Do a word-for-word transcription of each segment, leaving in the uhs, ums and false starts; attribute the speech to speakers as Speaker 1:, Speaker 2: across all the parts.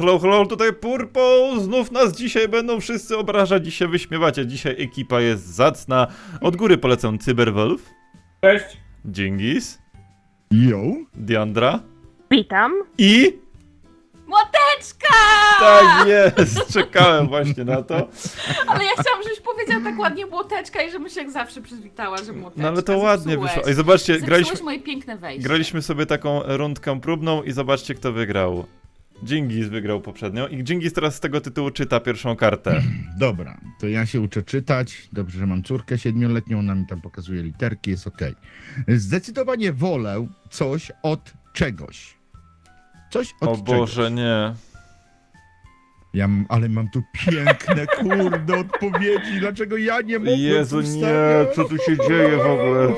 Speaker 1: hello, hello, tutaj Purple, znów nas dzisiaj będą wszyscy obrażać i się wyśmiewacie. Dzisiaj ekipa jest zacna. Od góry polecam Cyberwolf.
Speaker 2: Cześć.
Speaker 1: Dżingis.
Speaker 3: Yo.
Speaker 1: Diandra.
Speaker 4: Witam.
Speaker 1: I...
Speaker 4: Młoteczka!
Speaker 1: Tak jest, czekałem właśnie na to.
Speaker 4: Ale ja chciałam, żebyś powiedział tak ładnie młoteczka i żebym się jak zawsze przywitała, że młoteczka.
Speaker 1: No ale to ładnie
Speaker 4: Zepsułeś.
Speaker 1: wyszło. I zobaczcie,
Speaker 4: Zepsułeś
Speaker 1: graliśmy,
Speaker 4: moje piękne wejście.
Speaker 1: graliśmy sobie taką rundkę próbną i zobaczcie, kto wygrał. Dżingis wygrał poprzednio i Dżingis teraz z tego tytułu czyta pierwszą kartę.
Speaker 3: Dobra, to ja się uczę czytać. Dobrze, że mam córkę siedmioletnią, ona mi tam pokazuje literki, jest okej. Zdecydowanie wolę coś od czegoś. Coś od
Speaker 1: O
Speaker 3: czegoś.
Speaker 1: Boże, nie.
Speaker 3: Ja mam, ale mam tu piękne, kurde, odpowiedzi. Dlaczego ja nie mogę
Speaker 1: Jezu, nie, co tu się dzieje w ogóle?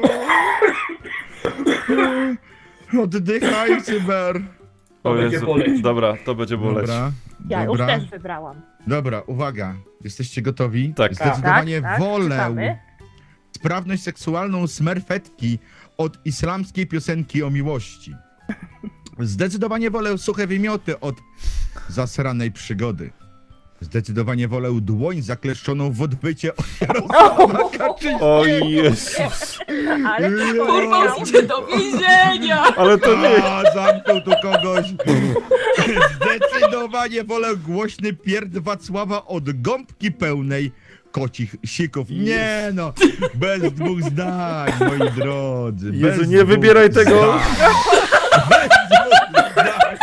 Speaker 3: Oddychaj, cyber.
Speaker 1: O
Speaker 2: będzie
Speaker 1: Jezu,
Speaker 2: boleć.
Speaker 1: dobra, to będzie boleć.
Speaker 3: Dobra,
Speaker 5: Ja
Speaker 3: dobra.
Speaker 5: już też wybrałam.
Speaker 3: Dobra, uwaga. Jesteście gotowi?
Speaker 1: Tak.
Speaker 3: Zdecydowanie
Speaker 5: Tak, tak,
Speaker 3: wolę
Speaker 5: czytamy.
Speaker 3: sprawność seksualną smerfetki od islamskiej piosenki o miłości. Zdecydowanie wolę suche wymioty od zasranej przygody. Zdecydowanie wolę dłoń zakleszczoną w odbycie od Jarosława Kaczyńskiego.
Speaker 1: O Jezus.
Speaker 5: Ale
Speaker 4: Kurwa, idzie do więzienia!
Speaker 1: Ale to nie...
Speaker 3: A, zamknął tu kogoś. Zdecydowanie wolę głośny pierd Wacława od gąbki pełnej kocich sików. Nie no, bez dwóch zdań, moi drodzy. Bez
Speaker 1: Jezu, nie
Speaker 3: dwóch
Speaker 1: wybieraj tego.
Speaker 3: zdań. Bez dwóch zdań.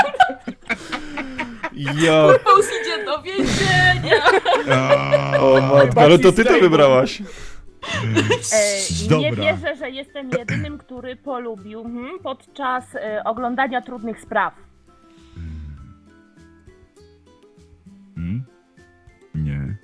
Speaker 1: Ja...
Speaker 4: Kurwa, idzie do więzienia!
Speaker 3: A,
Speaker 1: O matko, ale to ty to wybrałaś.
Speaker 5: e, nie
Speaker 3: Dobra.
Speaker 5: wierzę, że jestem jedynym, który polubił hmm, podczas e, oglądania trudnych spraw.
Speaker 3: Hmm? Nie.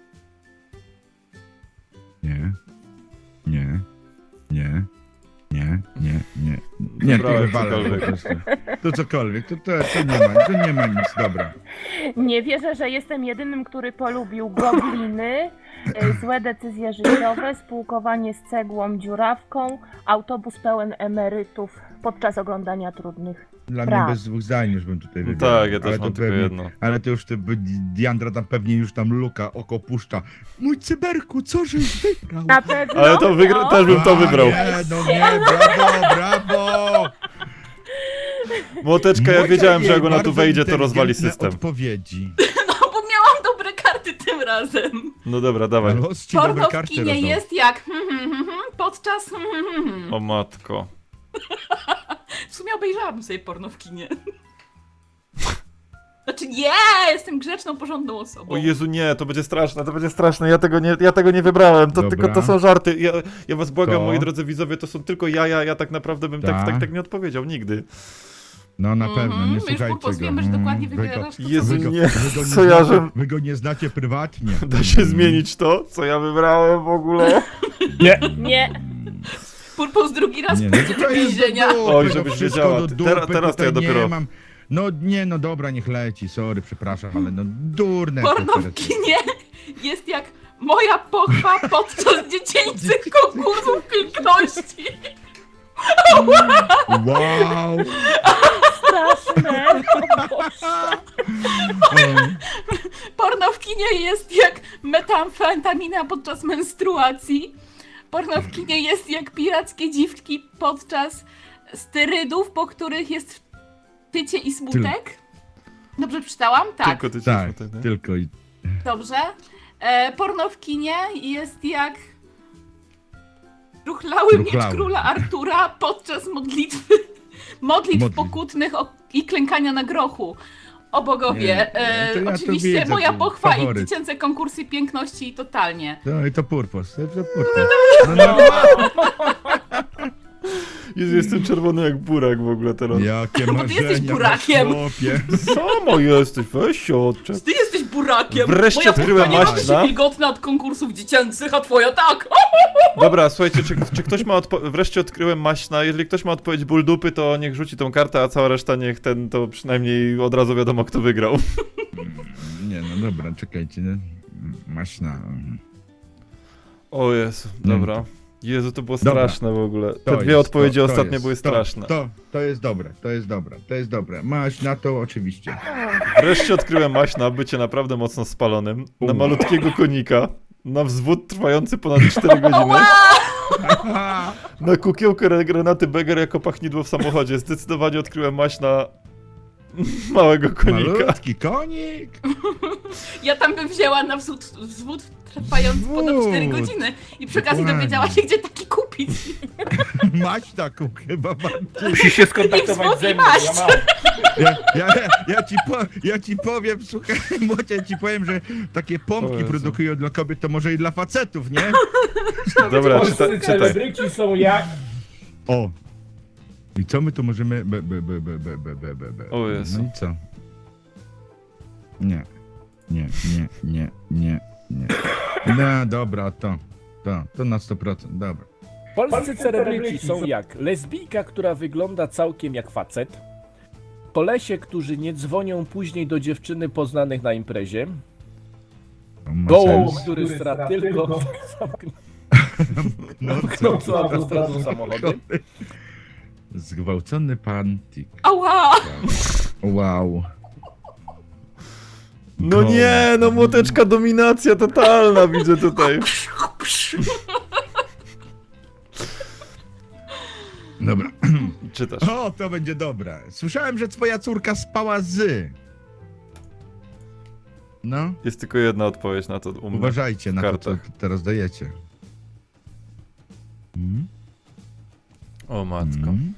Speaker 3: Nie. Nie. Nie. Nie, nie, nie. Nie, to
Speaker 1: Wybrałem
Speaker 3: wywalę po
Speaker 1: cokolwiek.
Speaker 3: prostu. To cokolwiek, to, to, to nie ma, to nie ma nic, dobra.
Speaker 5: Nie wierzę, że jestem jedynym, który polubił gobliny, e, złe decyzje życiowe, spółkowanie z cegłą dziurawką, autobus pełen emerytów podczas oglądania trudnych
Speaker 3: Dla
Speaker 5: spraw.
Speaker 3: mnie bez dwóch zdań już bym tutaj wybrał.
Speaker 1: Tak, ja też
Speaker 3: Ale
Speaker 1: mam
Speaker 3: to
Speaker 1: tylko
Speaker 3: pewnie-
Speaker 1: jedno.
Speaker 3: Ale to już ty, Diandra tam pewnie już tam luka, oko puszcza. Mój cyberku, co żeś wygrał?
Speaker 5: Na pewno.
Speaker 1: Ale to wygra...
Speaker 5: no.
Speaker 1: też bym to
Speaker 3: A,
Speaker 1: wybrał.
Speaker 3: Nie, no nie, brawo, brawo!
Speaker 1: Młoteczka, ja
Speaker 3: Moje
Speaker 1: wiedziałem, że jak ona tu
Speaker 3: bardzo
Speaker 1: wejdzie, to rozwali
Speaker 3: inteligentne
Speaker 1: system.
Speaker 3: Odpowiedzi.
Speaker 4: No bo miałam dobre karty tym razem.
Speaker 1: No dobra, dawaj.
Speaker 3: Los ci dobre
Speaker 4: Porno w
Speaker 3: karty
Speaker 4: kinie
Speaker 3: rozdał.
Speaker 4: jest jak podczas...
Speaker 1: O matko.
Speaker 4: W sumie obejrzałabym sobie porno w kinie. Znaczy nie, jestem grzeczną, porządną osobą.
Speaker 1: O Jezu, nie, to będzie straszne, to będzie straszne, ja tego nie, ja tego nie wybrałem, to
Speaker 3: Dobra.
Speaker 1: tylko to są żarty. Ja, ja was błagam,
Speaker 3: To?
Speaker 1: moi drodzy widzowie, to są tylko jaja, ja tak naprawdę bym tak,
Speaker 3: Tak.
Speaker 1: tak, tak nie odpowiedział, nigdy.
Speaker 3: No na
Speaker 4: Mhm,
Speaker 3: pewno, nie
Speaker 4: my już
Speaker 3: słuchajcie
Speaker 4: Purpos
Speaker 3: go.
Speaker 4: wiemy, że dokładnie
Speaker 3: Mm, wy go-
Speaker 4: wybierasz to, co
Speaker 1: Jezu,
Speaker 3: Wy go,
Speaker 1: nie,
Speaker 3: wy go nie
Speaker 1: co ja,
Speaker 3: znacie,
Speaker 1: że-
Speaker 3: wy go nie znacie prywatnie.
Speaker 1: Da się zmienić to, co ja wybrałem w ogóle?
Speaker 2: Nie.
Speaker 5: Nie.
Speaker 4: Purpos drugi raz
Speaker 3: Nie, no to, to jest
Speaker 4: więzienia.
Speaker 3: do dupy,
Speaker 1: Oj,
Speaker 3: no
Speaker 1: żebyś
Speaker 3: wszystko
Speaker 1: wiedziała,
Speaker 3: do
Speaker 1: ty-
Speaker 3: dupy,
Speaker 1: teraz- teraz to ja
Speaker 3: tutaj
Speaker 1: dopiero-
Speaker 3: Nie mam. No nie, no dobra, niech leci, sorry, przepraszam, ale no durne.
Speaker 4: Porno
Speaker 3: te
Speaker 4: w
Speaker 3: teraz-
Speaker 4: kinie jest jak moja pochwa podczas dziecięcych konkursów piękności.
Speaker 3: Wow!
Speaker 5: Straszne. O Boże.
Speaker 4: Porno w kinie jest jak metamfetamina podczas menstruacji. Porno w kinie jest jak pirackie dziwki podczas sterydów, po których jest tycie i smutek. Dobrze przeczytałam? Tak.
Speaker 1: Tylko ty
Speaker 3: Tak,
Speaker 1: cię tak,
Speaker 3: tylko i...
Speaker 4: Dobrze. E, porno w kinie jest jak ruchlały miecz
Speaker 3: Ruchlały.
Speaker 4: króla Artura podczas modlitwy, modlitw
Speaker 3: Modlitw.
Speaker 4: pokutnych o, i klękania na grochu. O bogowie.
Speaker 3: Nie,
Speaker 4: e,
Speaker 3: to ja to
Speaker 4: oczywiście
Speaker 3: widzę,
Speaker 4: moja
Speaker 3: to
Speaker 4: pochwa
Speaker 3: faworyt.
Speaker 4: i dziecięce konkursy piękności totalnie.
Speaker 3: No i to purpos, to, to purpos. No, no,
Speaker 1: Jezu, jestem czerwony jak burak w ogóle teraz.
Speaker 3: jakie
Speaker 4: Bo ty jesteś
Speaker 3: marzenia,
Speaker 4: burakiem.
Speaker 3: chłopie.
Speaker 1: Samo jesteś, weź się odczep.
Speaker 4: Ty jesteś burakiem!
Speaker 1: Wreszcie
Speaker 4: moja
Speaker 1: odkryłem
Speaker 4: pochwa nie robi
Speaker 1: maśna.
Speaker 4: się wilgotna od konkursów dziecięcych, a twoja tak!
Speaker 1: Dobra, słuchajcie, czy, czy ktoś ma odpo- wreszcie odkryłem maśna, jeżeli ktoś ma odpowiedź ból dupy, to niech rzuci tą kartę, a cała reszta niech ten, to przynajmniej od razu wiadomo kto wygrał.
Speaker 3: Nie, no dobra, czekajcie. No. Maśna.
Speaker 1: O Jezu, dobra. Jezu, to było
Speaker 3: Dobra.
Speaker 1: straszne w ogóle. Te
Speaker 3: To
Speaker 1: dwie
Speaker 3: jest,
Speaker 1: odpowiedzi
Speaker 3: to, to
Speaker 1: ostatnie
Speaker 3: jest,
Speaker 1: były
Speaker 3: to,
Speaker 1: straszne.
Speaker 3: To, to jest dobre, to jest dobre, to jest dobre. Masz na to oczywiście.
Speaker 1: Wreszcie odkryłem maść na bycie naprawdę mocno spalonym, na
Speaker 3: U.
Speaker 1: malutkiego konika, na wzwód trwający ponad cztery godziny, na kukiełkę Renaty Beger jako pachnidło w samochodzie. Zdecydowanie odkryłem maść na małego konika.
Speaker 3: Malutki konik.
Speaker 4: Ja tam bym wzięła na wzód, wzwód trwający ponad cztery
Speaker 3: Wód.
Speaker 4: godziny i przy okazji
Speaker 3: Dokładnie.
Speaker 4: dowiedziała się, gdzie taki kupić.
Speaker 3: Maść taką chyba bardziej.
Speaker 2: Musisz się skontaktować ze mną, ja mam.
Speaker 3: Ja, ja, ja, ci po, ja ci powiem, słuchaj, młodzie, ja ci powiem, że takie
Speaker 1: O
Speaker 3: pompki
Speaker 1: Jezu.
Speaker 3: produkują dla kobiet, to może i dla facetów, nie?
Speaker 1: Dobra, czyta,
Speaker 2: Polscy
Speaker 1: czytaj.
Speaker 2: celebryci są jak...
Speaker 3: O. I co my tu możemy... Be, be, be, be, be, be, be, be, be.
Speaker 1: O Jezu.
Speaker 3: No i co? Nie. Nie, nie, nie, nie, nie. No dobra, to. To, to na sto procent, dobra.
Speaker 2: Polscy celebryci są jak lesbijka, która wygląda całkiem jak facet, kolesie, którzy nie dzwonią później do dziewczyny poznanych na imprezie,
Speaker 3: To ma
Speaker 2: gołąb,
Speaker 3: sens.
Speaker 2: który stra tylko
Speaker 3: No
Speaker 2: zamknął
Speaker 3: co?
Speaker 2: autostradą samochody,
Speaker 3: Zgwałcony pan Tik.
Speaker 4: Ała!
Speaker 3: Wow.
Speaker 1: No nie, no młoteczka dominacja totalna widzę tutaj.
Speaker 3: Dobra.
Speaker 1: Czytasz.
Speaker 3: O, to będzie dobre. Słyszałem, że twoja córka spała z... No,
Speaker 1: Jest tylko jedna odpowiedź na to u mnie.
Speaker 3: uważajcie na to, co
Speaker 1: kartach.
Speaker 3: teraz dajecie. Mm?
Speaker 1: O matko.
Speaker 3: Mm?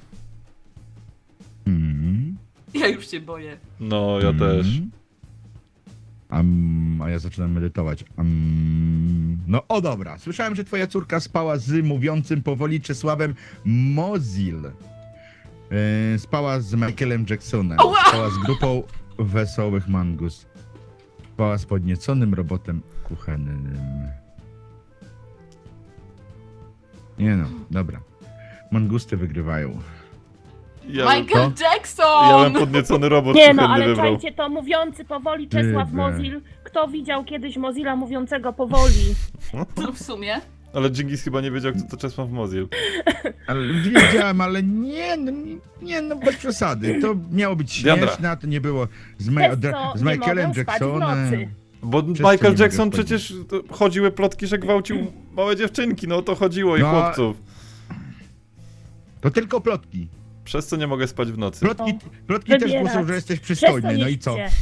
Speaker 3: Mm?
Speaker 4: Ja już się boję.
Speaker 1: No, ja też.
Speaker 3: Mm? Am, a ja zaczynam medytować. Am, no o dobra, słyszałem, że twoja córka spała z mówiącym powoli Czesławem Mozil. E, spała z Michaelem Jacksonem.
Speaker 4: Ała!
Speaker 3: Spała z grupą Wesołych Mangus. Spała z podnieconym robotem kuchennym. Nie no, dobra. Mangusty wygrywają.
Speaker 1: Ja,
Speaker 4: Michael
Speaker 3: to?
Speaker 4: Jackson!
Speaker 1: ja bym podniecony robot
Speaker 5: Nie no,
Speaker 1: kuchenny
Speaker 5: ale
Speaker 1: wybrał.
Speaker 5: czajcie to, mówiący powoli Czesław
Speaker 3: Ty,
Speaker 5: Mozil. Kto widział kiedyś Mozilla mówiącego powoli?
Speaker 4: No w sumie.
Speaker 1: Ale Dżingis chyba nie wiedział, kto to Czesław Mozil.
Speaker 3: Ale wiedziałem, ale nie, no, nie, nie, no bez przesady. To miało być
Speaker 1: Diandra.
Speaker 3: śmieszne, a to nie było z, Ma-
Speaker 5: Przez co
Speaker 3: z
Speaker 5: nie
Speaker 3: Michaelem
Speaker 5: mogę spać w
Speaker 3: Jacksonem.
Speaker 5: nocy.
Speaker 1: Bo
Speaker 3: Przez co nie
Speaker 1: Michael
Speaker 3: mogę
Speaker 1: Jackson
Speaker 3: wchodzić?
Speaker 1: przecież to chodziły plotki, że gwałcił małe dziewczynki, no o to chodziło i
Speaker 3: No,
Speaker 1: chłopców.
Speaker 3: To tylko plotki.
Speaker 1: Przez co nie mogę spać w nocy.
Speaker 3: Plotki, plotki też
Speaker 5: Wybierać.
Speaker 3: głoszą, że jesteś
Speaker 5: Przez
Speaker 3: przystojny, no i co?
Speaker 5: nie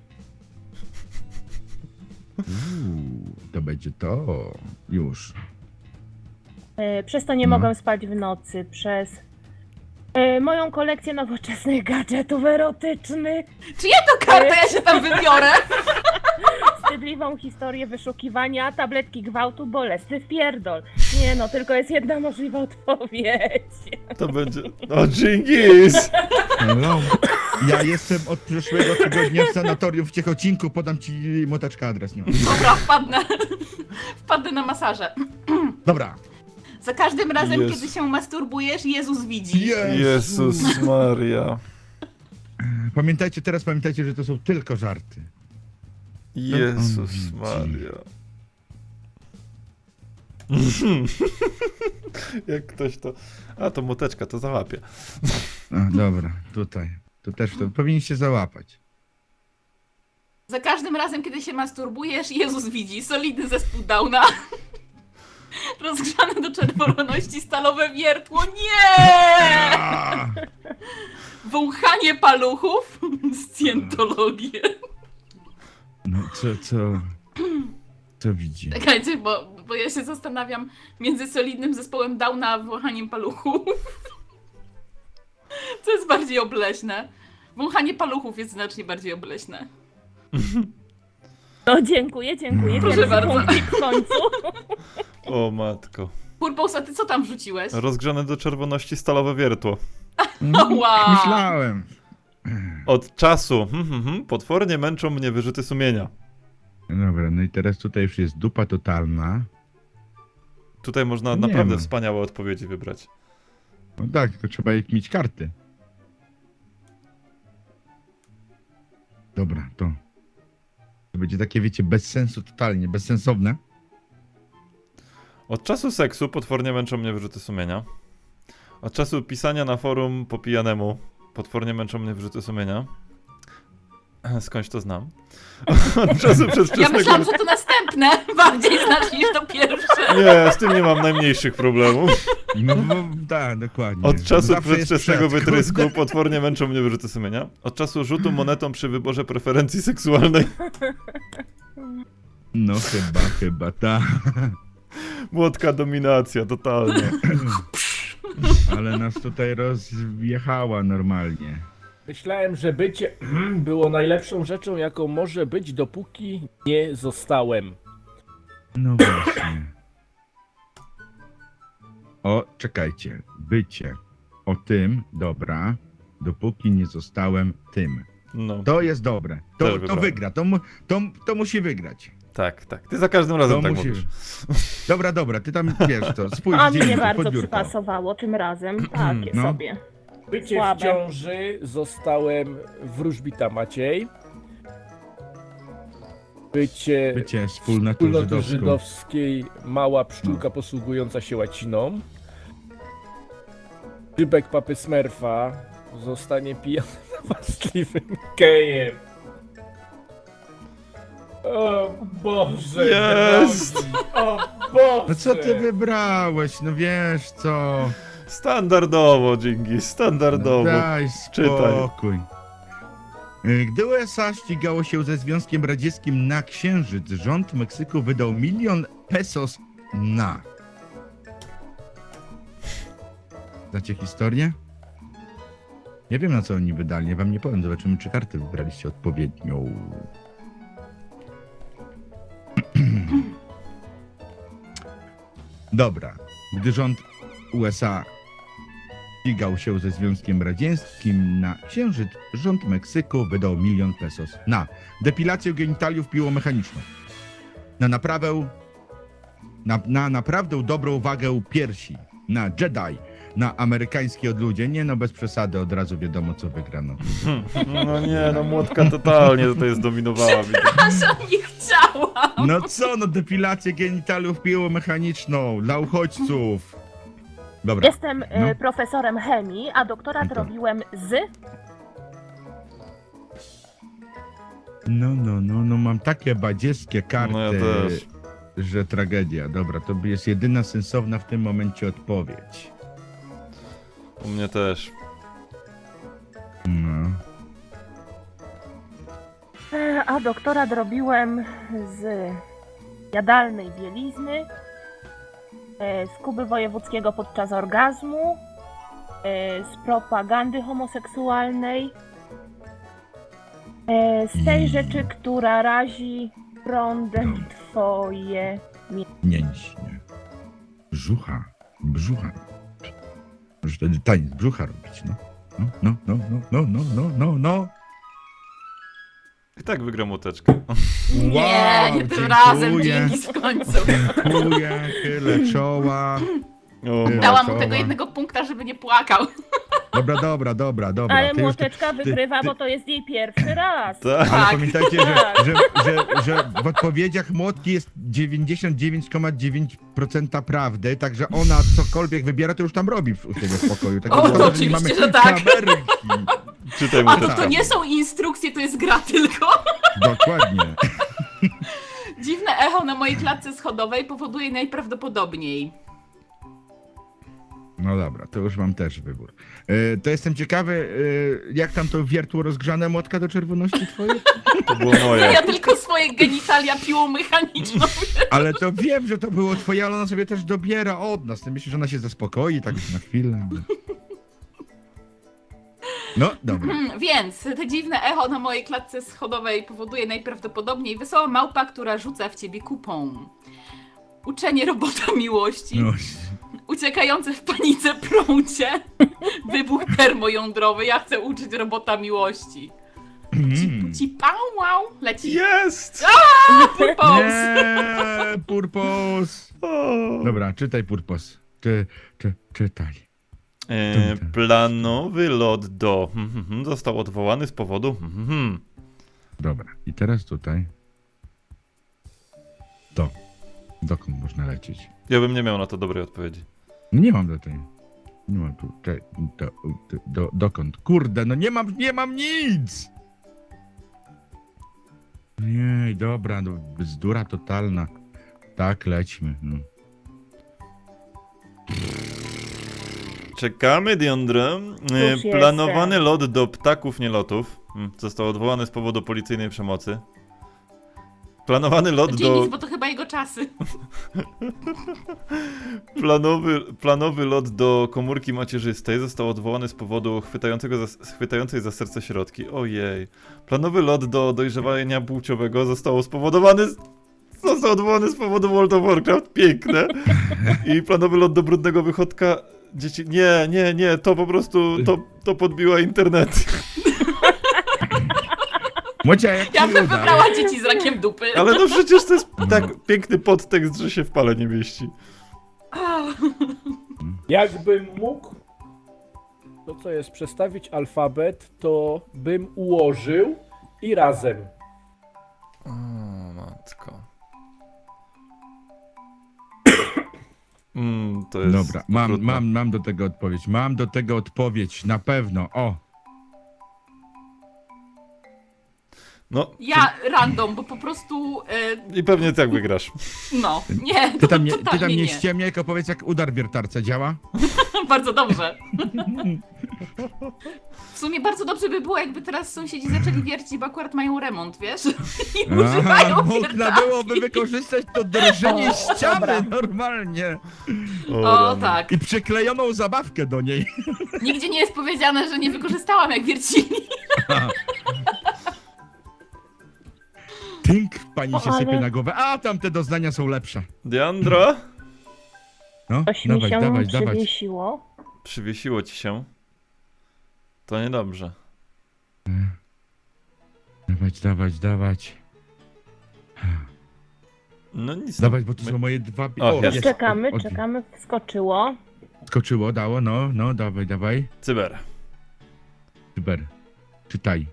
Speaker 3: Uuu, to będzie to. Już.
Speaker 5: E, Przez to nie
Speaker 3: No.
Speaker 5: mogę spać w nocy, przez e, moją kolekcję nowoczesnych gadżetów erotycznych,
Speaker 4: Czy ja to kartę, ja się tam wybiorę?
Speaker 5: wstydliwą historię wyszukiwania, tabletki gwałtu, bolesny wpierdol. Nie no, tylko jest jedna możliwa odpowiedź.
Speaker 1: To będzie... O, Dżingis!
Speaker 3: Hello. Ja jestem od przyszłego tygodnia w sanatorium w Ciechocinku, podam ci moteczka adres. Nie.
Speaker 4: Dobra, wpadnę. Wpadnę na masaże.
Speaker 3: Dobra.
Speaker 4: Za każdym razem,
Speaker 1: Jezu.
Speaker 4: kiedy się masturbujesz, Jezus widzi.
Speaker 1: Jezus Maria.
Speaker 3: Pamiętajcie, teraz pamiętajcie, że to są tylko żarty.
Speaker 1: Jezus
Speaker 3: widzi.
Speaker 1: Maria. Jak ktoś to... A, to młoteczka, to załapie.
Speaker 3: A, dobra, tutaj. To też to powinniście załapać.
Speaker 4: Za każdym razem, kiedy się masturbujesz, Jezus widzi. Solidny zespół Downa. Rozgrzane do czerwoności stalowe wiertło. Nie!
Speaker 3: A!
Speaker 4: Wąchanie paluchów. Scjentologię.
Speaker 3: No co, co... Co widzi?
Speaker 4: Czekajcie, bo, bo ja się zastanawiam między solidnym zespołem Downa a wąchaniem paluchów. Co jest bardziej obleśne? Wąchanie paluchów jest znacznie bardziej obleśne.
Speaker 5: No dziękuję, dziękuję.
Speaker 4: Proszę
Speaker 5: Pierwszy
Speaker 4: bardzo.
Speaker 5: punkcik w końcu.
Speaker 1: O matko.
Speaker 4: Purpose, a ty co tam wrzuciłeś?
Speaker 1: Rozgrzane do czerwoności stalowe wiertło.
Speaker 4: Wow.
Speaker 3: Myślałem.
Speaker 1: Od czasu. Hmm, hmm, hmm, potwornie męczą mnie wyrzuty sumienia.
Speaker 3: Dobra, no i teraz tutaj już jest dupa totalna.
Speaker 1: Tutaj można
Speaker 3: Nie
Speaker 1: naprawdę
Speaker 3: ma.
Speaker 1: wspaniałe odpowiedzi wybrać.
Speaker 3: No tak, tylko trzeba mieć karty. Dobra, to. To będzie takie, wiecie, bez sensu totalnie, bezsensowne.
Speaker 1: Od czasu seksu potwornie męczą mnie wyrzuty sumienia. Od czasu pisania na forum po pijanemu potwornie męczą mnie wyrzuty sumienia. Skądś to znam. Od czasu
Speaker 4: Ja
Speaker 1: przedwczesnego...
Speaker 4: myślałam, że to następne bardziej znasz niż to pierwsze.
Speaker 1: Nie, z tym nie mam najmniejszych problemów.
Speaker 3: No bo, tak, dokładnie.
Speaker 1: Od czasu
Speaker 3: Zawsze jest
Speaker 1: przedwczesnego
Speaker 3: przed,
Speaker 1: wytrysku
Speaker 3: kurde.
Speaker 1: potwornie męczą mnie wyrzuty sumienia. Od czasu rzutu monetą przy wyborze preferencji seksualnej.
Speaker 3: No chyba, chyba, tak.
Speaker 1: Młotka dominacja, totalnie.
Speaker 3: Ale nas tutaj rozjechała normalnie.
Speaker 2: Myślałem, że bycie było najlepszą rzeczą, jaką może być, dopóki nie zostałem.
Speaker 3: No właśnie. O, czekajcie. Bycie. O tym, dobra, dopóki nie zostałem tym.
Speaker 1: No,
Speaker 3: To jest dobre.
Speaker 1: Też
Speaker 3: To, to
Speaker 1: wybrałem.
Speaker 3: wygra. To, mu- to, to musi wygrać.
Speaker 1: tak, tak. Ty za każdym razem
Speaker 3: To
Speaker 1: tak
Speaker 3: musi...
Speaker 1: mówisz.
Speaker 3: Dobra, dobra, ty tam wiesz to. Spójrz
Speaker 5: A
Speaker 3: gdzie
Speaker 5: mnie
Speaker 3: indziej,
Speaker 5: bardzo
Speaker 3: pod biurko.
Speaker 5: przypasowało tym razem. Takie
Speaker 3: No.
Speaker 5: sobie.
Speaker 2: Bycie
Speaker 5: Słabe.
Speaker 2: w ciąży, zostałem wróżbita Maciej. Bycie,
Speaker 3: Bycie wspólnotą
Speaker 2: wspólnoty
Speaker 3: żydowską.
Speaker 2: żydowskiej, mała pszczółka posługująca się łaciną. Szybek papy Smurfa zostanie pijany napastliwym gejem. O Boże!
Speaker 1: Jest!
Speaker 2: drogi, O Boże!
Speaker 3: No co ty wybrałeś? No wiesz co?
Speaker 1: Standardowo, Dżingis, standardowo.
Speaker 3: Daj
Speaker 1: Czytaj.
Speaker 3: spokój. Y, Gdy U S A ścigało się ze Związkiem Radzieckim na Księżyc, rząd Meksyku wydał milion pesos na... Znacie historię? Nie wiem na co oni wydali, ja wam nie powiem. Zobaczymy, czy karty wybraliście odpowiednią. Dobra. Gdy rząd U S A ścigał się ze Związkiem Radzieckim na Księżyc, rząd Meksyku wydał milion pesos na depilację genitaliów piłą mechaniczną, na naprawę, na, na naprawdę dobrą wagę piersi, na Jedi, na amerykańskie odludzie. Nie no, bez przesady, od razu wiadomo co wygrano.
Speaker 1: No nie, no młotka totalnie tutaj zdominowała. widzę.
Speaker 4: Przepraszam, nie chciałam.
Speaker 3: No co, no depilację genitaliów piłą mechaniczną dla uchodźców. Dobra.
Speaker 5: Jestem e,
Speaker 3: No.
Speaker 5: profesorem chemii, a doktorat
Speaker 3: No to-
Speaker 5: robiłem z...
Speaker 3: No, no, no, no mam takie badziewskie karty,
Speaker 1: No ja też.
Speaker 3: że tragedia. Dobra, to jest jedyna sensowna w tym momencie odpowiedź.
Speaker 1: U mnie też.
Speaker 3: No.
Speaker 5: E, A doktorat robiłem z jadalnej bielizny, e, z Kuby Wojewódzkiego podczas orgazmu, e, z propagandy homoseksualnej, e, z tej
Speaker 3: I-
Speaker 5: rzeczy, która razi prądem twoje...
Speaker 3: Mięśnie. Brzucha. Brzucha. Możesz wtedy taniec brzucha robić, no. No, no, no, no, no, no, no, no, no.
Speaker 1: I tak wygram młoteczkę.
Speaker 4: Nie,
Speaker 3: Wow,
Speaker 4: nie tym
Speaker 3: dziękuję.
Speaker 4: razem, dzięki w końcu.
Speaker 3: Dziękuję, chylę czoła.
Speaker 1: O,
Speaker 3: Ty-
Speaker 4: Dałam mu
Speaker 3: Czoła.
Speaker 4: tego jednego punkta, żeby nie płakał.
Speaker 3: Dobra, dobra, dobra, dobra.
Speaker 5: Ale
Speaker 3: Ty już-
Speaker 5: młoteczka wygrywa,
Speaker 3: ty-
Speaker 5: bo to jest jej pierwszy raz.
Speaker 1: tak.
Speaker 3: Ale
Speaker 4: Tak.
Speaker 3: pamiętajcie, że,
Speaker 5: Tak.
Speaker 3: że, że, że w odpowiedziach Młotki jest dziewięćdziesiąt dziewięć przecinek dziewięć procent prawdy, także ona cokolwiek wybiera, to już tam robi w- u siebie w pokoju. Tak
Speaker 4: O,
Speaker 3: naprawdę,
Speaker 4: to
Speaker 3: nie
Speaker 4: oczywiście,
Speaker 3: mamy
Speaker 4: że tak.
Speaker 3: kamerki.
Speaker 1: Czytaj
Speaker 4: A to,
Speaker 1: młoteczkę.
Speaker 4: to nie są instrukcje, to jest gra tylko.
Speaker 3: Dokładnie.
Speaker 4: Dziwne echo na mojej klatce schodowej powoduje najprawdopodobniej.
Speaker 3: No dobra, to już mam też wybór. E, to jestem ciekawy, e, jak tam to wiertło rozgrzane, Młotka, do czerwoności twojej?
Speaker 1: To było
Speaker 4: No
Speaker 1: moje.
Speaker 4: ja tylko swoje genitalia piłą mechaniczną.
Speaker 3: Ale to wiem, że to było twoje, ale ona sobie też dobiera od nas. Ty myślisz, że ona się zaspokoi tak na chwilę? No, dobra.
Speaker 4: Hmm, więc te dziwne echo na mojej klatce schodowej powoduje najprawdopodobniej wesoła małpa, która rzuca w ciebie kupą. Uczenie robota miłości.
Speaker 3: No.
Speaker 4: Uciekające w panice prącie. Wybuch termojądrowy. Ja chcę uczyć robota miłości.
Speaker 3: Mm.
Speaker 4: Ci pał, wow, leci.
Speaker 1: Jest!
Speaker 4: Purpose.
Speaker 3: Nie, Purpos.
Speaker 1: O.
Speaker 3: Dobra, czytaj Purpos. Czy, czy, czytaj.
Speaker 1: E, planowy lot do... hmm, hmm, hmm, został odwołany z powodu... hmm, hmm, hmm.
Speaker 3: Dobra, i teraz tutaj. To. Dokąd można lecieć?
Speaker 1: Ja bym nie miał na to dobrej odpowiedzi.
Speaker 3: No nie mam do tej. Nie mam tu. Te, do, do, do, dokąd? Kurde, no nie mam, nie mam nic! Nie, dobra, no bzdura totalna. Tak, lećmy. No.
Speaker 1: Czekamy, Diandra. E,
Speaker 5: Już
Speaker 1: Planowany
Speaker 5: jestem.
Speaker 1: lot do ptaków nielotów mm, został odwołany z powodu policyjnej przemocy. Planowany lot
Speaker 4: Czyli
Speaker 1: do...
Speaker 4: nic, bo to chyba jego czasy.
Speaker 1: Planowy, planowy lot do komórki macierzystej został odwołany z powodu chwytającego za, chwytającej za serce środki. Ojej. Planowy lot do dojrzewania płciowego został spowodowany... Z, został odwołany z powodu World of Warcraft. Piękne. I planowy lot do brudnego wychodka... Dzieci... Nie, nie, nie. To po prostu... To, to podbiła internet.
Speaker 3: Mocia, jak
Speaker 4: Ja
Speaker 3: ci
Speaker 4: bym
Speaker 3: uda?
Speaker 4: wybrała dzieci z rakiem dupy.
Speaker 1: Ale no przecież to jest tak piękny podtekst, że się w pale nie mieści.
Speaker 2: Jakbym mógł, to co jest, przestawić alfabet, to bym ułożył i razem.
Speaker 1: O, matko. Mm, to jest
Speaker 3: Dobra, mam,
Speaker 1: trudne.
Speaker 3: mam, mam do tego odpowiedź. Mam do tego odpowiedź, na pewno. O!
Speaker 1: No,
Speaker 4: Ja random, bo po prostu. E,
Speaker 1: i pewnie tak wygrasz.
Speaker 4: no, nie,
Speaker 3: Ty
Speaker 4: to
Speaker 3: tam nie, ty
Speaker 4: totalnie
Speaker 3: tam nie
Speaker 4: nie.
Speaker 3: ściemniaj, tylko powiedz, jak udar wiertarce działa.
Speaker 4: Bardzo dobrze. W sumie bardzo dobrze by było, jakby teraz sąsiedzi zaczęli wiercić, bo akurat mają remont, wiesz? I używają
Speaker 3: można
Speaker 4: wiertarki.
Speaker 3: byłoby wykorzystać to drżenie
Speaker 5: O,
Speaker 3: ściany
Speaker 5: dobra.
Speaker 3: normalnie.
Speaker 4: O,
Speaker 1: rany.
Speaker 4: tak.
Speaker 3: I przyklejoną zabawkę do niej.
Speaker 4: Nigdzie nie jest powiedziane, że nie wykorzystałam, jak wiercili.
Speaker 3: Tynk pani
Speaker 5: O,
Speaker 3: się
Speaker 5: ale-
Speaker 3: sypie na głowę. A, tamte doznania są lepsze.
Speaker 1: Diandra?
Speaker 3: No,
Speaker 5: Coś mi
Speaker 3: dawać,
Speaker 5: się
Speaker 3: dawać, dawać.
Speaker 5: przywiesiło.
Speaker 1: Przywiesiło ci się. To niedobrze.
Speaker 3: Dawać, dawać, dawać.
Speaker 1: No nic.
Speaker 3: Dawać, bo to
Speaker 1: My-
Speaker 3: są moje dwa...
Speaker 1: O, jest.
Speaker 5: Czekamy,
Speaker 3: od- od-
Speaker 5: czekamy, wskoczyło.
Speaker 3: Skoczyło, dało, no, no, dawaj, dawaj.
Speaker 1: Cyber.
Speaker 3: Cyber. Czytaj.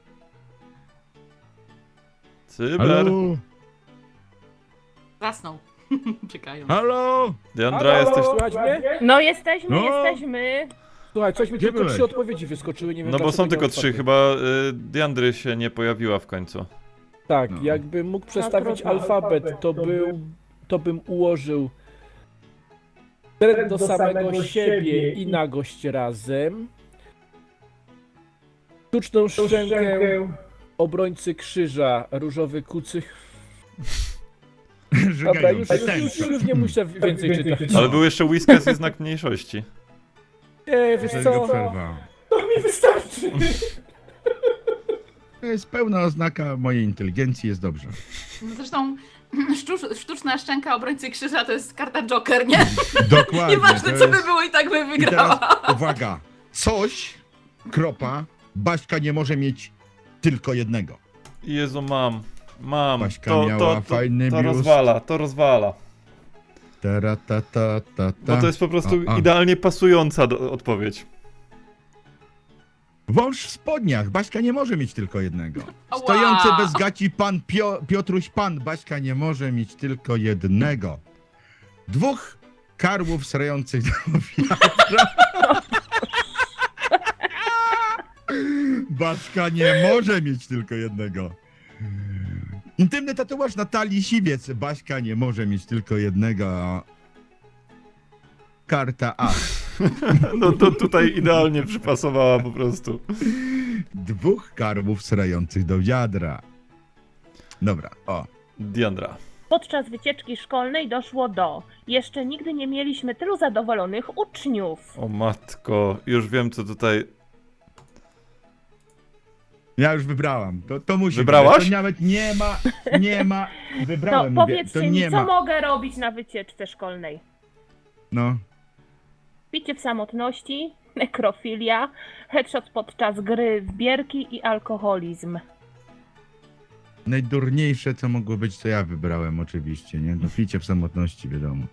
Speaker 1: Cyber.
Speaker 3: Halo?
Speaker 4: Zasnął. Czekają.
Speaker 3: Halo?
Speaker 1: Diandra,
Speaker 2: Halo,
Speaker 1: jesteś...
Speaker 2: Słychać mnie?
Speaker 5: No jesteśmy,
Speaker 3: No.
Speaker 5: jesteśmy.
Speaker 2: Słuchaj, coś mi
Speaker 3: Gdzie
Speaker 2: tylko
Speaker 3: byłeś?
Speaker 2: trzy odpowiedzi wyskoczyły, nie wiem
Speaker 1: No bo
Speaker 2: dlaczego
Speaker 1: są
Speaker 2: nie
Speaker 1: tylko
Speaker 2: mam
Speaker 1: trzy,
Speaker 2: czwartej.
Speaker 1: chyba y, Diandry się nie pojawiła w końcu.
Speaker 2: Tak,
Speaker 3: No.
Speaker 2: jakbym mógł przestawić
Speaker 5: trudno.
Speaker 2: alfabet, to, był, to bym ułożył trend do samego siebie i nagość razem. Sztuczną szczękę obrońcy krzyża, różowy kucych. Dobra,
Speaker 3: Żygają
Speaker 2: już,
Speaker 3: te
Speaker 2: już, już,
Speaker 3: tęcze.
Speaker 2: już nie muszę więcej czytać.
Speaker 1: Ale był jeszcze Whiskas i znak mniejszości.
Speaker 2: Nie, wiesz
Speaker 3: Dlaczego
Speaker 2: co,
Speaker 3: przerwa?
Speaker 2: to mi wystarczy.
Speaker 3: To jest pełna oznaka mojej inteligencji, jest dobrze.
Speaker 4: No zresztą sztucz, sztuczna szczęka obrońcy krzyża to jest karta Joker, nie?
Speaker 3: Dokładnie.
Speaker 4: Nieważne
Speaker 3: to
Speaker 4: co
Speaker 3: jest-
Speaker 4: by było i tak by
Speaker 3: I
Speaker 4: wygrała.
Speaker 3: teraz uwaga. Coś, kropa, Baśka nie może mieć tylko jednego.
Speaker 1: Jezu, mam. Mam.
Speaker 3: Baśka
Speaker 1: To,
Speaker 3: miała
Speaker 1: to, to,
Speaker 3: fajny
Speaker 1: to
Speaker 3: biust.
Speaker 1: rozwala, to rozwala.
Speaker 3: Tera, ta, ta, ta, ta.
Speaker 1: Bo to jest po prostu
Speaker 3: A, a.
Speaker 1: idealnie pasująca do, odpowiedź.
Speaker 3: Wąż w spodniach. Baśka nie może mieć tylko jednego.
Speaker 4: Ała.
Speaker 3: Stojący bez gaci pan Pio, Piotruś Pan. Baśka nie może mieć tylko jednego. Dwóch karłów srających do wiatra. Baśka nie może mieć tylko jednego. Intymny tatuaż Natalii Siwiec. Baśka nie może mieć tylko jednego. Karta A.
Speaker 1: No to tutaj idealnie przypasowała po prostu.
Speaker 3: Dwóch karłów srających do wiadra. Dobra, o.
Speaker 1: Diandra.
Speaker 5: Podczas wycieczki szkolnej doszło do. Jeszcze nigdy nie mieliśmy tylu zadowolonych uczniów.
Speaker 1: O matko, już wiem co tutaj...
Speaker 3: Ja już wybrałam. To, to musi
Speaker 1: Wybrałaś?
Speaker 3: być. To nawet nie ma, nie ma.
Speaker 5: To
Speaker 3: Wybrałem, mówię.
Speaker 5: powiedzcie
Speaker 3: To
Speaker 5: mi,
Speaker 3: nie
Speaker 5: co
Speaker 3: ma.
Speaker 5: mogę robić na wycieczce szkolnej?
Speaker 3: No.
Speaker 5: Picie w samotności, nekrofilia, headshot podczas gry w bierki i alkoholizm.
Speaker 3: Najdurniejsze, co mogło być, to ja wybrałem oczywiście, nie? No picie w samotności, wiadomo.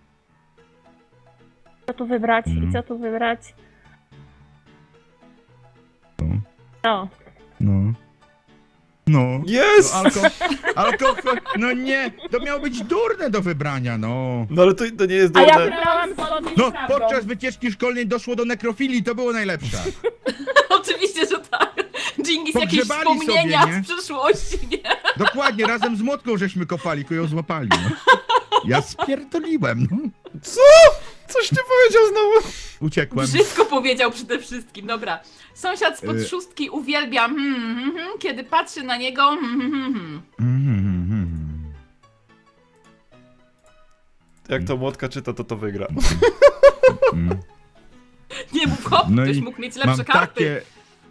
Speaker 5: Co tu wybrać
Speaker 3: Mhm.
Speaker 5: i co tu wybrać?
Speaker 3: No.
Speaker 5: No,
Speaker 3: No. No.
Speaker 1: Jest!
Speaker 3: No, alko, alkohol, no nie, to miało być durne do wybrania, no.
Speaker 1: No ale to, to nie jest
Speaker 5: A ja
Speaker 1: durne.
Speaker 5: wybrałam zgodnie
Speaker 3: No,
Speaker 5: z prawdą.
Speaker 3: podczas wycieczki szkolnej doszło do nekrofilii, to było najlepsze.
Speaker 4: Oczywiście, że tak. Dżingis, jakieś
Speaker 3: Pogrzebali
Speaker 4: wspomnienia
Speaker 3: sobie, nie?
Speaker 4: z przeszłości, nie?
Speaker 3: Dokładnie, razem z młotką żeśmy kopali, ku ją złapali, no. Ja spierdoliłem, no.
Speaker 1: Co? Coś nie powiedział znowu.
Speaker 3: Uciekłem.
Speaker 4: Brzydko powiedział przede wszystkim, dobra. Sąsiad spod
Speaker 3: Y-
Speaker 4: szóstki uwielbia, hmm, hmm, hmm, kiedy patrzy na niego, hmm, hmm, hmm.
Speaker 3: Mhm, mhm.
Speaker 1: Jak to młotka czyta, to to wygra.
Speaker 3: Mm.
Speaker 4: Nie mów hop,
Speaker 3: No
Speaker 4: ktoś
Speaker 3: i
Speaker 4: mógł mieć
Speaker 3: Mam
Speaker 4: lepsze karty.
Speaker 3: takie...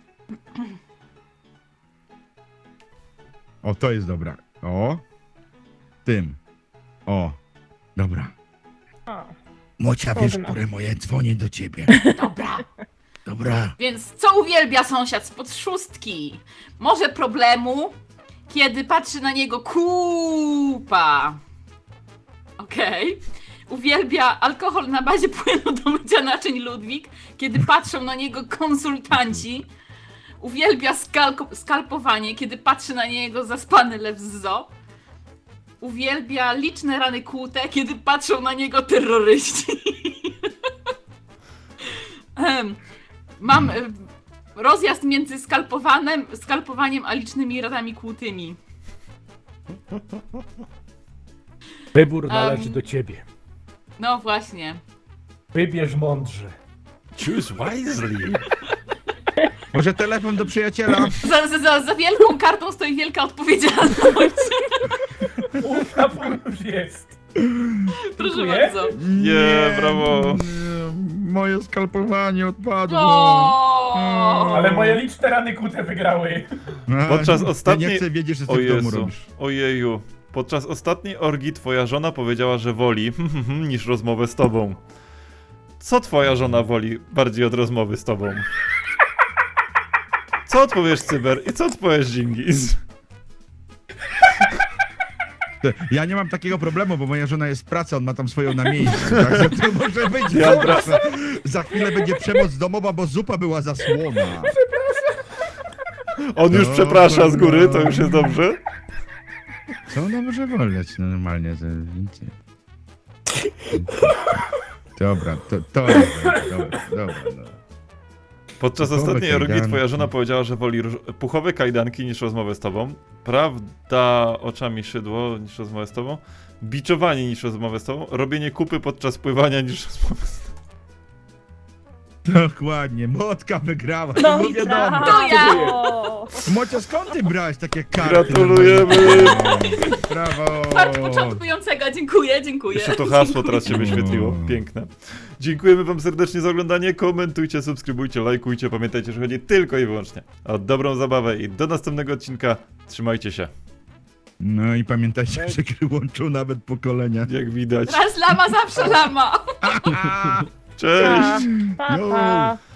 Speaker 3: O, to jest dobra. O. Tym. O. Dobra.
Speaker 5: O.
Speaker 3: Mocia, wiesz,
Speaker 5: Trudno.
Speaker 3: które moje dzwonię do ciebie.
Speaker 4: Dobra.
Speaker 3: Dobra.
Speaker 4: Więc co uwielbia sąsiad spod szóstki? Może problemu, kiedy patrzy na niego kupa. Okej. Uwielbia alkohol na bazie płynu do mycia naczyń Ludwik, kiedy patrzą na niego konsultanci. Uwielbia skalko- skalpowanie, kiedy patrzy na niego zaspany lew z zoo. Uwielbia liczne rany kłute, kiedy patrzą na niego terroryści. Em, Mam y, rozjazd między skalpowanym, skalpowaniem a licznymi ranami kłutymi.
Speaker 2: Wybór należy
Speaker 4: Em.
Speaker 2: do ciebie.
Speaker 4: No właśnie.
Speaker 2: Wybierz mądrze.
Speaker 1: Choose wisely.
Speaker 3: Może telefon do przyjaciela?
Speaker 4: Za, za, za, za wielką kartą stoi wielka odpowiedzialność.
Speaker 2: Ufna już jest.
Speaker 4: Proszę
Speaker 2: Dziękuję.
Speaker 4: bardzo.
Speaker 1: Nie, brawo.
Speaker 3: nie, Moje skalpowanie odpadło.
Speaker 4: O!
Speaker 2: Ale moje liczne rany kute wygrały.
Speaker 3: A,
Speaker 1: Podczas
Speaker 3: Ja
Speaker 1: ostatniej-
Speaker 3: nie chcę wiedzieć, że
Speaker 1: O
Speaker 3: ty w domu
Speaker 1: Jezu,
Speaker 3: robisz.
Speaker 1: ojeju. Podczas ostatniej orgii twoja żona powiedziała, że woli niż rozmowę z tobą. Co twoja żona woli bardziej od rozmowy z tobą? Co odpowiesz, Cyber? I co odpowiesz, Dżingis?
Speaker 3: Ja nie mam takiego problemu, bo moja żona jest w pracy, on ma tam swoją na miejscu. Także to może być.
Speaker 1: Dobra.
Speaker 3: Za, za chwilę będzie przemoc domowa, bo zupa była zasłona.
Speaker 1: On już
Speaker 3: No,
Speaker 1: przeprasza z góry, to
Speaker 3: no.
Speaker 1: już jest dobrze.
Speaker 3: Co ona może woleć normalnie? To więcej. Dobra, to, to jest dobra, dobra, no.
Speaker 1: Podczas
Speaker 3: Puchowe
Speaker 1: ostatniej orgii
Speaker 3: kajdanki.
Speaker 1: twoja żona powiedziała, że woli róż- puchowe kajdanki niż rozmowę z tobą. Prawda oczami szydło niż rozmowę z tobą. Biczowanie niż rozmowę z tobą. Robienie kupy podczas pływania niż rozmowę z tobą.
Speaker 3: Dokładnie, Motka wygrała,
Speaker 5: No
Speaker 3: to
Speaker 5: i
Speaker 3: wiadomo.
Speaker 5: brawo.
Speaker 4: To ja.
Speaker 3: Mocia, skąd ty brałeś takie karty?
Speaker 1: Gratulujemy.
Speaker 3: Brawo!
Speaker 4: Fart początkującego, dziękuję, dziękuję.
Speaker 1: Jeszcze to hasło teraz się wyświetliło.
Speaker 3: O.
Speaker 1: Piękne. Dziękujemy wam serdecznie za oglądanie. Komentujcie, subskrybujcie, lajkujcie. Pamiętajcie, że chodzi tylko i wyłącznie o dobrą zabawę i do następnego odcinka. Trzymajcie się.
Speaker 3: No i pamiętajcie, że gry łączą nawet pokolenia.
Speaker 1: Jak widać.
Speaker 4: Raz lama, zawsze lama.
Speaker 1: Cześć!
Speaker 5: Pa, pa.